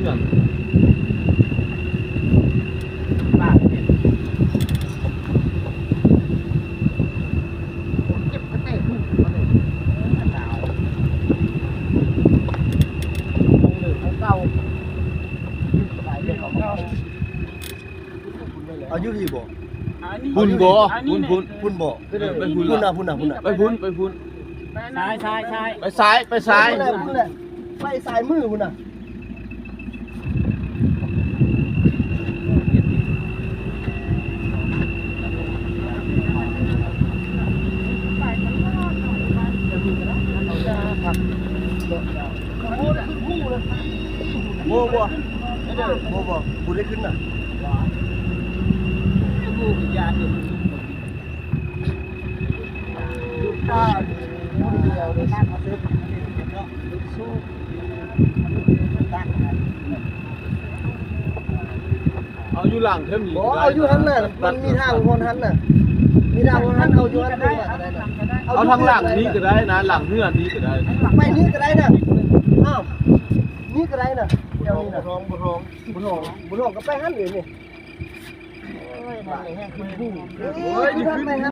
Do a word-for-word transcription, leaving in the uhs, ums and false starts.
พื่อนบ้าเนี่ยเก็บกระเตะขึ้นมาเลยหนาวคงเหลือของเก่าสายเรื่องของเก่าอายุพี่บ่พุ่นบ่พุ่นพุ่นพุ่นบ่ไปพุ่นพุ่นน่ะพุ่นน่ะพุ่นน่ะไปพุ่นไปพุ่นซ้ายซ้ายซ้ายไปซ้ายไปซ้ายพุ่นแหละไปสายมือพุ่นน่ะโบ่บ่บ่บ่บ่ได้ขึ้นน่ะกูกินยาอยู่ลูกป้าคนเดียวเลยนั่งมาซื้อสู้ตั้งเอาอยู่หลังเท่านี้บ่เอาอยู่หันน่ะมันมีทางคนหันน่ะมีทางคนหันเอาอยู่หันได้ได้น่ะเอาทางหลังนี้ก็ได้นะหลังเฮือนนี้ก็ได้ไปนี่ก็ได้น่ะอ้าวนี่ก็ได้น่ะเดี๋ยวนี้น่ะบ่ร้องบ่ร้องบ่ร้องบ่ร้องก็ไปหันเลยนี่โอ้ยนั่นแหละแห้งคือผู้โอ้ยนี่คือ